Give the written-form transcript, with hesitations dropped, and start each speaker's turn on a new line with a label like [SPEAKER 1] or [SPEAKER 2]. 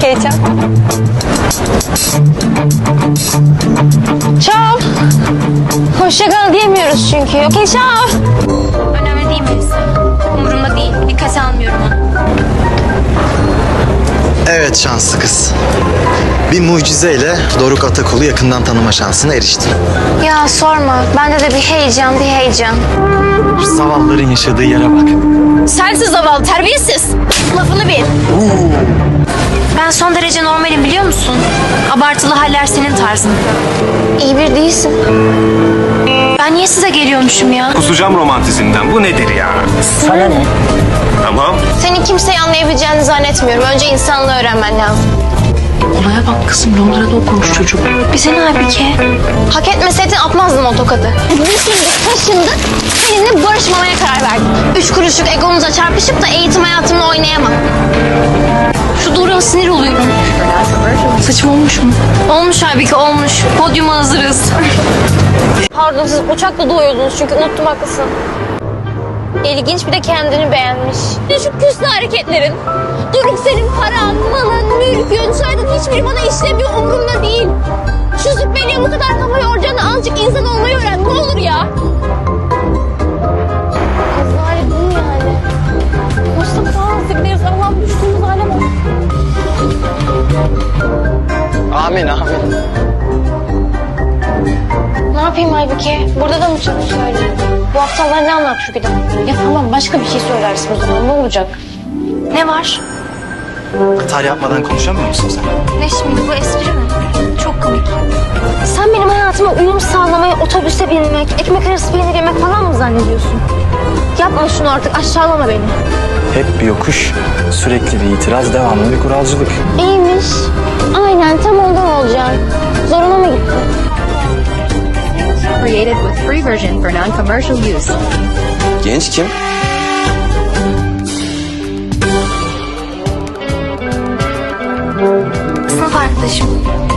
[SPEAKER 1] heyecan. Çal. Hoşça kal diyemiyoruz çünkü. Okey çal.
[SPEAKER 2] Önemli değil Melisa. Umurumda değil. Dikkate almıyorum onu.
[SPEAKER 3] Evet şanslı kız. Bir mucizeyle Doruk Atakul'u yakından tanıma şansına eriştin.
[SPEAKER 2] Ya sorma. Bende de bir heyecan.
[SPEAKER 3] Zavallıların yaşadığı yere bak.
[SPEAKER 2] Sensiz zavallı, terbiyesiz. Lafını bil. Ben son derece normalim biliyor musun? Abartılı haller senin tarzın. İyi bir değilsin. Ben niye size geliyormuşum ya?
[SPEAKER 4] Kusacağım romantizmden. Bu nedir ya?
[SPEAKER 1] Sana ne?
[SPEAKER 4] Tamam.
[SPEAKER 1] Senin kimseyi anlayabileceğini zannetmiyorum. Önce insanlığı öğrenmen lazım.
[SPEAKER 2] Olaya bak kızım, Londra'da okumuş çocuk. Bize ne halbuki?
[SPEAKER 1] Hak etmeseydin atmazdım o tokadı. Düşündük, taşındık. Seninle barışmamaya karar verdik. 3 kuruşluk egonuza çarpışıp da eğitim hayatımla oynayamam.
[SPEAKER 2] Şu Doruk'a sinir oluyorum. Saçım olmuş mu? Olmuş halbuki olmuş. Podyuma hazırız.
[SPEAKER 1] Pardon, siz uçakla doğuyordunuz çünkü unuttum, haklısın. İlginç, bir de kendini beğenmiş. Şu küslü hareketlerin. Doruk senin paran, malın, mülkün, soyadın hiçbiri bana işlemiyor, umurumda değil. Şu züppeliğe bu kadar kafa yoracağına azıcık insan olmayı öğren, ne olur ya. Azali bu yani. Mustafa Zibir Allah'ım, düştüğümüz hale bak.
[SPEAKER 3] Amin amin.
[SPEAKER 1] Ne yapayım Aybüke? Burada da mı söyleyeyim? Bu haftalar ne anlat şu giden? Ya tamam, başka bir şey söylersin o zaman, ne olacak?
[SPEAKER 2] Ne var?
[SPEAKER 3] Hata yapmadan konuşamıyor musun sen?
[SPEAKER 2] Ne şimdi, bu espri mi? Çok komik.
[SPEAKER 1] Sen benim hayatıma uyum sağlamayı, otobüse binmek, ekmek arası peynir yemek falan mı zannediyorsun? Yapma şunu artık, aşağılama beni.
[SPEAKER 5] Hep bir yokuş, sürekli bir itiraz, devamlı bir kuralcılık.
[SPEAKER 1] İyiymiş. Aynen, tam ondan olacak. Zoruna mı gitti?
[SPEAKER 6] Created with free version for non-commercial use.
[SPEAKER 5] Genç kim?
[SPEAKER 2] Sınıf arkadaşım.